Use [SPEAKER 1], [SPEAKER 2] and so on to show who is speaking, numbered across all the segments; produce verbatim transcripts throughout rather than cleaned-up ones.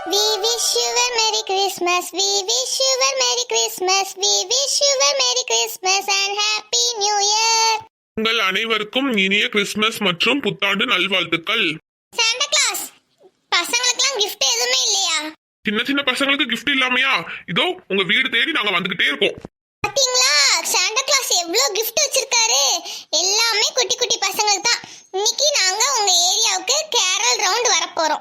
[SPEAKER 1] We wish you a Merry Christmas. We wish you a Merry Christmas. We wish you a Merry Christmas and Happy New Year.
[SPEAKER 2] உங்கள் அனைவருக்கும் இனிய Christmas மற்றும் புத்தாண்டு நல்வாழ்த்துக்கள்.
[SPEAKER 1] Santa Claus, பசங்களுக்குலாம் gift எதுவுமே இல்லையா?
[SPEAKER 2] சின்ன சின்ன பசங்களுக்கு gift இல்லாமையா? இதோ உங்க வீடு தேடி நாங்க வந்துகிட்டே இருக்கோம்.
[SPEAKER 1] பாத்தீங்களா, சாண்டா கிளாஸ் எவ்வளவு gift வச்சிருக்காரு. எல்லாமே குட்டி குட்டி பசங்களுக்கு தான். இன்னைக்கு நாங்க உங்க ஏரியாவுக்கு கேரல் ரவுண்ட் வர போறோம்.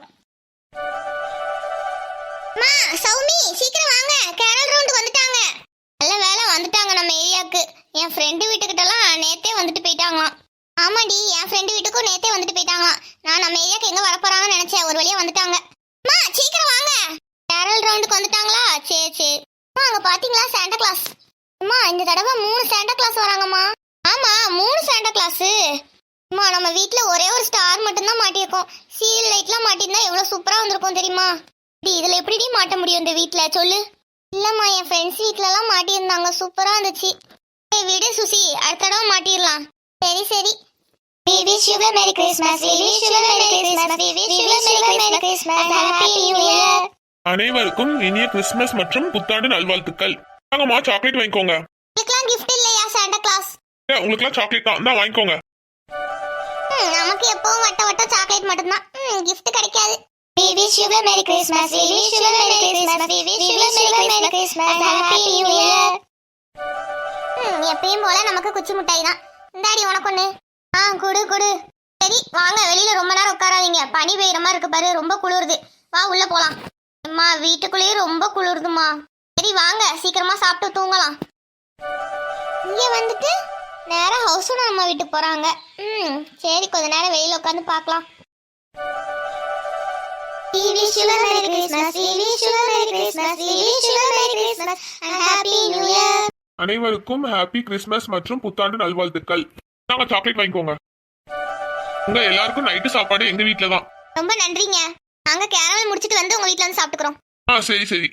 [SPEAKER 1] மா, சௌமி சீக்கிரம் வாங்க, கேரல் ரவுண்ட் வந்துட்டாங்க. நல்ல வேளை வந்துட்டாங்க நம்ம ஏரியாவுக்கு. என் ஃப்ரெண்டு வீட்டுக்கிட்டலாம் நேத்தே வந்துட்டு போயிட்டாங்களாம். ஆமாடி, என் ஃப்ரெண்டு வீட்டுக்கும் நேத்தே வந்துட்டு போயிட்டாங்களாம். நான் நம்ம ஏரியாவுக்கு எங்க வர போறாங்கன்னு நினைச்சேன், ஒரு வழியா வந்துட்டாங்க. மா சீக்கிரம் வாங்க, கேரல் ரவுண்டுக்கு வந்துட்டாங்களா? சரி சரி. அம்மா, அங்க பாத்தீங்களா சாண்டா கிளாஸ்? அம்மா, இந்த தடவை மூணு சாண்டா கிளாஸ் வராங்கம்மா. ஆமா, மூணு சாண்டா கிளாஸ். அம்மா, நம்ம வீட்ல ஒரே ஒரு ஸ்டார் மட்டும் தான் மாட்டியிருக்கோம். சீரியல் லைட்லாம் மாட்டிருந்தா எவ்வளவு சூப்பரா வந்திருக்கும் தெரியுமா? இதுல எப்படி மாட்ட முடியும் இந்த வீட்ல சொல்லு? இல்லம்மா, என் ஃப்ரெண்ட்ஸ் வீட்ல எல்லாம் மாட்டியிருந்தாங்க, சூப்பரா இருந்துச்சு. ஏய் விடு சுசி, அடுத்த தடவை மாட்டிடலாம். சரி சரி. We wish you a Merry Christmas. We wish you a Merry Christmas. We wish you a Merry Christmas and Happy New Year.
[SPEAKER 2] அனைவருக்கும் இனிய கிறிஸ்துமஸ் மற்றும் புத்தாண்டு நல்வாழ்த்துக்கள். வாங்கம்மா, சாக்லேட் வாங்கிக்கோங்க.
[SPEAKER 1] உங்களுக்குலாம் gift இல்லையா சாண்டா கிளாஸ்?
[SPEAKER 2] ஏ, உங்களுக்குலாம் சாக்லேட் தான், தான் வாங்கிக்கோங்க.
[SPEAKER 1] ம், நமக்கு எப்பவும் வட்ட வட்ட சாக்லேட் மட்டும்தான். ம், gift கிடைக்காது. We wish you a Merry Christmas. We wish you a Merry Christmas. We wish you a Merry Christmas and Happy New Year. ம், எப்பயும் போல நமக்கு குச்சி மிட்டாய் தான். இந்தாடி உனக்கு ஒண்ணு. ஆ, குடு குடு. சரி வாங்க, வெளியில ரொம்ப நேரம் உட்காராதீங்க. பனி பெய்யற மாதிரி இருக்கு பாரு, ரொம்ப குளிருது. வா உள்ள போலாம். அம்மா, வீட்டுக்குள்ளேயே ரொம்ப குளிருதுமா. சரி வாங்க, சீக்கிரமா சாப்பிட்டு தூங்கலாம். இங்க வந்துட்டு நேரா ஹவுஸ் ஓனர் அம்மா வீட்டுக்கு போறாங்க. ம், சரி கொஞ்ச நேரம் வெளியில உட்காந்து பார்க்கலாம். We wish you a Merry Christmas. We wish you a Merry Christmas. We wish you a Merry Christmas and Happy New Year.
[SPEAKER 2] அனைவருக்கும் ஹாப்பி கிறிஸ்துமஸ் மற்றும் புத்தாண்டு நல்வாழ்த்துக்கள். நாங்க சாக்லேட் வாங்கிக்கோங்க. உங்க எல்லாருக்கும் நைட்டு சாப்பாடு எங்க வீட்ல தான்.
[SPEAKER 1] ரொம்ப நன்றிங்க. நாங்க கேரமல் முடிச்சிட்டு வந்து உங்க வீட்ல வந்து சாப்பிட்டுக்கிறோம்.
[SPEAKER 2] ஆ சரி சரி.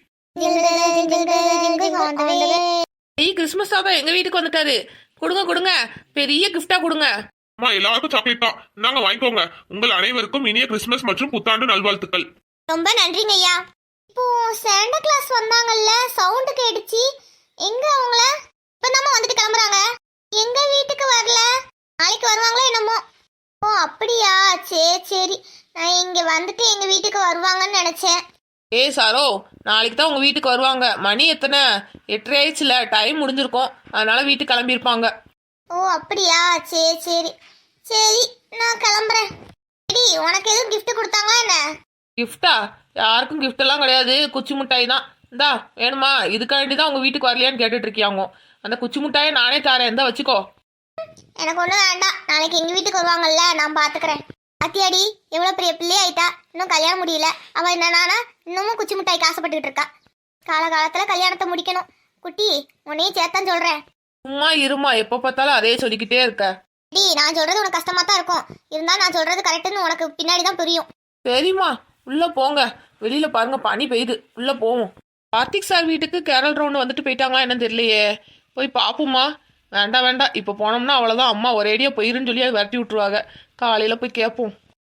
[SPEAKER 3] ஏய், கிறிஸ்மஸ் தாத்தா எங்க வீட்டுக்கு வந்துட்டாரு. கொடுங்க கொடுங்க, பெரிய கிஃப்டா கொடுங்க.
[SPEAKER 2] அம்மா, எல்லாருக்கும் சாக்லேட் தான், நாங்க வாங்கிக்கோங்க. உங்கள் அனைவருக்கும் இனிய கிறிஸ்துமஸ் மற்றும் புத்தாண்டு நல்வாழ்த்துக்கள்.
[SPEAKER 1] ரொம்ப நன்றிங்க ஐயா. இப்போ சாண்டா கிளாஸ் வந்தாங்கல்ல, சவுண்ட் கேட்டுச்சு. எங்க அவங்கள? இப்பதாம்மா வந்துட்டு கிளம்புறாங்க. எங்க வீட்டுக்கு வரல, நாளைக்கு வருவாங்களோ என்னமோ. ஓ அப்படியா, சரி சரி. நான் இங்க வந்துட்டு எங்க வீட்டுக்கு வருவாங்கன்னு நினைச்சேன்.
[SPEAKER 3] ஏய் சாரோ, நாளைக்கு தான் உங்க வீட்டுக்கு வருவாங்க. மணி எத்தனை? எட்டரை ஆயிடுச்சுல, டைம் முடிஞ்சிருக்கும். அதனால வீட்டுக்கு கிளம்பியிருப்பாங்க.
[SPEAKER 1] ஓ அப்படியா, சரி சரி. சரி, நான் கிளம்புறேன். சரி, உனக்கு எதுவும் கிஃப்ட் கொடுத்தாங்களா என்ன?
[SPEAKER 3] கிஃப்டா? யாருக்கும் கிஃப்ட் எல்லாம் கிடையாது, குச்சி மிட்டாய் தான். இந்தா வேணுமா? இதுக்காண்டி தான் உங்க வீட்டுக்கு வரலையான்னு கேட்டுட்டு இருக்கியாங்க. அந்த குச்சி மிட்டாயை நானே தரேன், இந்தா வச்சுக்கோ.
[SPEAKER 1] எனக்கு ஒன்றும் வேண்டாம், நாளைக்கு எங்கள் வீட்டுக்கு வருவாங்கல்ல, நான் பார்த்துக்கிறேன். அத்தியாடி எவ்வளோ பெரிய பிள்ளை ஆயிட்டா, இன்னும் கல்யாணம் முடியல. அவள் என்னன்னா இன்னமும் குச்சி மிட்டாய்க்கு ஆசைப்பட்டுக்கிட்டு இருக்கா. காலகாலத்தில் கல்யாணத்தை முடிக்கணும். குட்டி, உன்னையும் சேர்த்தான் சொல்கிறேன்.
[SPEAKER 3] சும்மா இருமா, எப்போ பார்த்தாலும் அதே சொல்லிக்கிட்டே இருக்க.
[SPEAKER 1] டி, நான் சொல்கிறது உனக்கு கஷ்டமாக தான் இருக்கும். இருந்தாலும் நான் சொல்கிறது கரெக்டுன்னு உனக்கு பின்னாடி தான் புரியும்.
[SPEAKER 3] சரிம்மா, உள்ள போங்க. வெளியில பாருங்க, பனி பெய்யுது. உள்ள போவோம். கார்த்திக் சார் வீட்டுக்கு கேரல் ரவுண்டு வந்துட்டு போயிட்டாங்களா என்னன்னு தெரியலையே. போய் பார்ப்போம்மா. வேண்டாம் வேண்டாம், இப்போ போனோம்னா அவ்வளோதான். அம்மா ஒரேடியா போயிருன்னு சொல்லி அதை விரட்டி விட்டுருவாங்க. காலையில் போய் கேட்போம்.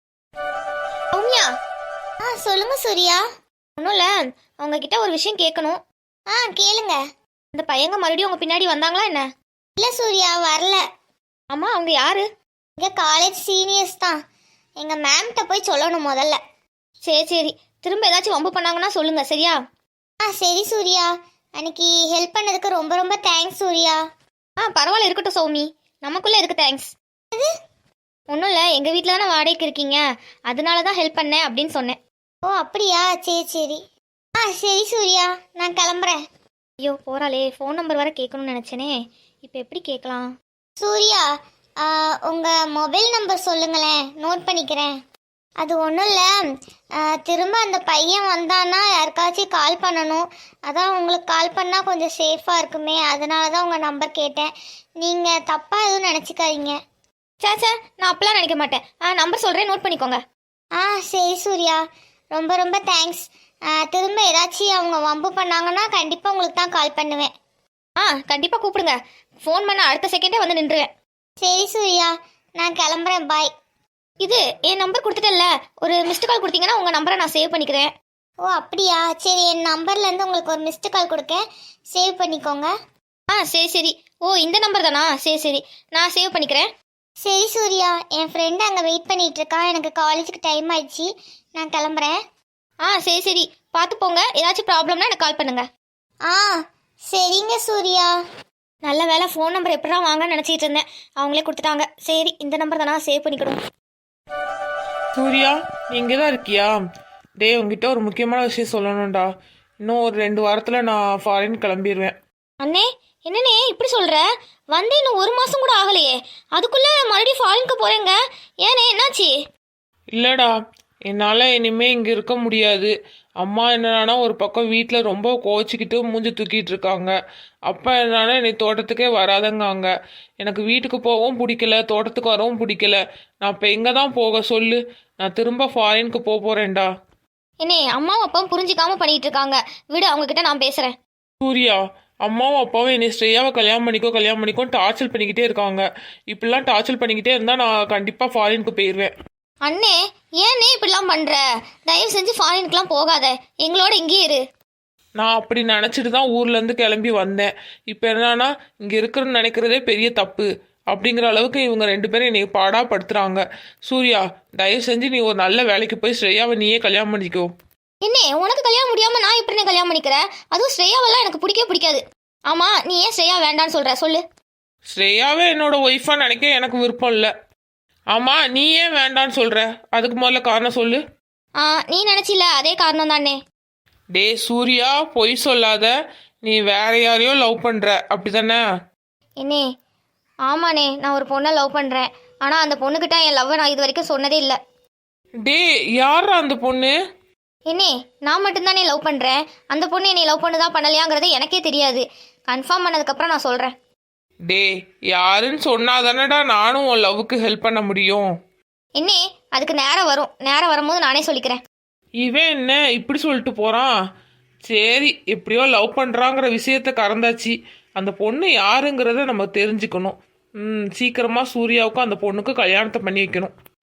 [SPEAKER 1] சௌமியா, ஆ சொல்லுங்க சூர்யா. ஒன்றும் இல்லை, உங்ககிட்ட ஒரு விஷயம் கேட்கணும். ஆ கேளுங்க. இந்த பையங்க மறுபடியும் உங்க பின்னாடி வந்தாங்களா என்ன? இல்லை சூர்யா, வரல. ஆமாம், அவங்க யாரு? இங்கே காலேஜ் சீனியர்ஸ் தான். எங்கள் மேம்கிட்ட போய் சொல்லணும் முதல்ல. சரி சரி, திரும்ப ஏதாச்சும் வம்பு பண்ணாங்கன்னா சொல்லுங்க, சரியா? ஆ சரி சூர்யா. அன்னைக்கு ஹெல்ப் பண்ணதுக்கு ரொம்ப ரொம்ப தேங்க்ஸ் சூர்யா. ஆ பரவாயில்ல, இருக்கட்டும் சௌமி. நமக்குள்ளே இருக்கு தேங்க்ஸ். இது ஒன்றும் இல்லை, எங்கள் வீட்டில் தானே வாடகைக்கு இருக்கீங்க, அதனால தான் ஹெல்ப் பண்ணேன் அப்படின்னு சொன்னேன். ஓ அப்படியா, சரி சரி. ஆ சரி சூர்யா, நான் கிளம்புறேன். ஐயோ போகிறாளே, ஃபோன் நம்பர் வர கேட்கணும்னு நினச்சேனே. இப்போ எப்படி கேட்கலாம்? சூர்யா, உங்கள் மொபைல் நம்பர் சொல்லுங்களேன், நோட் பண்ணிக்கிறேன். அது ஒன்றும் இல்லை, திரும்ப அந்த பையன் வந்தான்னா யாருக்காச்சும் கால் பண்ணணும். அதான் உங்களுக்கு கால் பண்ணால் கொஞ்சம் சேஃபாக இருக்குமே, அதனால தான் உங்கள் நம்பர் கேட்டேன். நீங்கள் தப்பாக எதுவும் நினச்சிக்காதீங்க. சாச்சா, நான் அப்பெல்லாம் நினைக்க மாட்டேன். ஆ நம்பர் சொல்கிறேன், நோட் பண்ணிக்கோங்க. ஆ சரி சூர்யா, ரொம்ப ரொம்ப தேங்க்ஸ். திரும்ப ஏதாச்சும் அவங்க வம்பு பண்ணாங்கன்னா கண்டிப்பாக உங்களுக்கு தான் கால் பண்ணுவேன். ஆ கண்டிப்பாக கூப்பிடுங்க. ஃபோன் பண்ண அடுத்த செகண்டே வந்து நின்றுவேன். சரி சூர்யா, நான் கிளம்புறேன், பாய். இது என் நம்பர் கொடுத்துட்டேன்ல, ஒரு மிஸ்டு கால் கொடுத்தீங்கன்னா உங்கள் நம்பரை நான் சேவ் பண்ணிக்கிறேன். ஓ அப்படியா, சரி என் நம்பர்லேருந்து உங்களுக்கு ஒரு மிஸ்டு கால் கொடுக்கேன், சேவ் பண்ணிக்கோங்க. ஆ சரி சரி. ஓ இந்த நம்பர் தானா? சரி சரி, நான் சேவ் பண்ணிக்கிறேன். சரி சூர்யா, என் ஃப்ரெண்டு அங்கே வெயிட் பண்ணிட்டு இருக்கா, எனக்கு காலேஜுக்கு டைம் ஆயிடுச்சு, நான் கிளம்புறேன். ஆ சரி சரி, பார்த்து போங்க. ஏதாச்சும் ப்ராப்ளம்னா எனக்கு கால் பண்ணுங்க. ஆ சரிங்க சூர்யா. நல்ல வேலை, ஃபோன் நம்பர் எப்படிடா வாங்கன்னு நினச்சிட்டு இருந்தேன், அவங்களே கொடுத்துட்டாங்க. சரி இந்த நம்பர் தானா, சேவ் பண்ணிக்கிடுவோம்.
[SPEAKER 3] சூர்யா, நீ இங்கே தான் இருக்கியா? டே, உங்ககிட்ட ஒரு முக்கியமான விஷயம் சொல்லணும்டா. இன்னும் ஒரு ரெண்டு வாரத்தில் நான் ஃபாரின் கிளம்பிடுவேன்.
[SPEAKER 1] அண்ணே, என்னண்ணே இப்படி சொல்கிற? வந்து இன்னும் ஒரு மாதம் கூட ஆகலையே, அதுக்குள்ளே மறுபடியும் ஃபாரினுக்கு போகிறேங்க. ஏண்ணே, என்னாச்சு?
[SPEAKER 3] இல்லைடா, என்னால் இனிமேல் இங்கே இருக்க முடியாது. அம்மா என்னன்னா ஒரு பக்கம் வீட்டில் ரொம்ப கோச்சிக்கிட்டு மூஞ்சி தூக்கிட்டு இருக்காங்க. அப்பா என்னன்னா என்னை தோட்டத்துக்கே வராதங்காங்க. எனக்கு வீட்டுக்கு போகவும் பிடிக்கல, தோட்டத்துக்கு வரவும் பிடிக்கல. நான் இப்போ எங்கே தான் போக சொல்லு? நான் திரும்ப ஃபாரினுக்கு போக போகிறேன்டா.
[SPEAKER 1] என்னே, அம்மாவும் அப்பாவும் புரிஞ்சிக்காம பண்ணிட்டு இருக்காங்க, விடு, அவங்க கிட்ட நான் பேசுகிறேன்.
[SPEAKER 3] சூர்யா, அம்மாவும் அப்பாவும் என்னை ஸ்ரேயாவை கல்யாணம் பண்ணிக்கோ கல்யாணம் பண்ணிக்கோ டார்ச்சர் பண்ணிக்கிட்டே இருக்காங்க. இப்படிலாம் டார்ச்சர் பண்ணிக்கிட்டே இருந்தால் நான் கண்டிப்பாக ஃபாரினுக்கு போயிடுவேன்.
[SPEAKER 1] அண்ணே, ஏன்னே இப்படிலாம் பண்ணுற? தயவு செஞ்சு ஃபாரினுக்குலாம் போகாத, எங்களோட இங்கேயே இரு.
[SPEAKER 3] நான் அப்படி நினச்சிட்டு தான் ஊர்லேருந்து கிளம்பி வந்தேன். இப்போ என்னன்னா இங்கே இருக்கிறன்னு நினைக்கிறதே பெரிய தப்பு அப்படிங்கிற அளவுக்கு இவங்க ரெண்டு பேரும் என்னை பாடாப்படுத்துகிறாங்க. சூர்யா, தயவு செஞ்சு நீ ஒரு நல்ல வேலைக்கு போய் ஸ்ரேயாவை நீயே கல்யாணம் பண்ணிக்கோ.
[SPEAKER 1] என்ன, உனக்கு கல்யாணம் முடியாமல் நான் எப்படி கல்யாணம் பண்ணிக்கிறேன்? அதுவும் ஸ்ரேயாவெல்லாம் எனக்கு பிடிக்கவே பிடிக்காது. ஆமாம், நீ ஏன் ஸ்ரேயா வேண்டான்னு சொல்கிற சொல்லு.
[SPEAKER 3] ஸ்ரேயாவே என்னோட ஒய்ஃபாக நினைக்க எனக்கு விருப்பம் இல்லை. ஆமாம், நீ ஏன் வேண்டான்னு சொல்கிற? அதுக்கு முதல்ல காரணம் சொல்லு.
[SPEAKER 1] ஆ நீ நினச்சில அதே காரணம் தானே.
[SPEAKER 3] டே சூர்யா, பொய் சொல்லாத. நீ வேற யாரையோ லவ் பண்ணுற அப்படி தானே?
[SPEAKER 1] என்னே, ஆமாண்ணே, நான் ஒரு பொண்ணை லவ் பண்ணுறேன். ஆனால் அந்த பொண்ணுக்கிட்ட என் லவ்வை நான் இது வரைக்கும் சொன்னதே இல்லை.
[SPEAKER 3] டே, யாரா அந்த பொண்ணு?
[SPEAKER 1] என்னே, நான் மட்டும்தானே லவ் பண்ணுறேன். அந்த பொண்ணு என்னை லவ் பண்ணுதா பண்ணலையாங்கிறது எனக்கே தெரியாது. கன்ஃபார்ம் பண்ணதுக்கப்புறம் நான் சொல்கிறேன்.
[SPEAKER 3] டே, யாருன்னு சொன்னாதானடா நானும் உன் லவ்வுக்கு ஹெல்ப் பண்ண முடியும்.
[SPEAKER 1] என்னே, அதுக்கு நேரம் வரும், நேரம் வரும்போது நானே சொல்லிக்கிறேன்.
[SPEAKER 3] இவன் என்ன இப்படி சொல்லிட்டு போகிறான்? சரி, எப்படியோ லவ் பண்ணுறாங்கிற விஷயத்த கறந்தாச்சு. அந்த பொண்ணு யாருங்கிறத நம்ம தெரிஞ்சுக்கணும். ம் சீக்கிரமாக சூர்யாவுக்கும் அந்த பொண்ணுக்கு கல்யாணத்தை பண்ணி வைக்கணும்.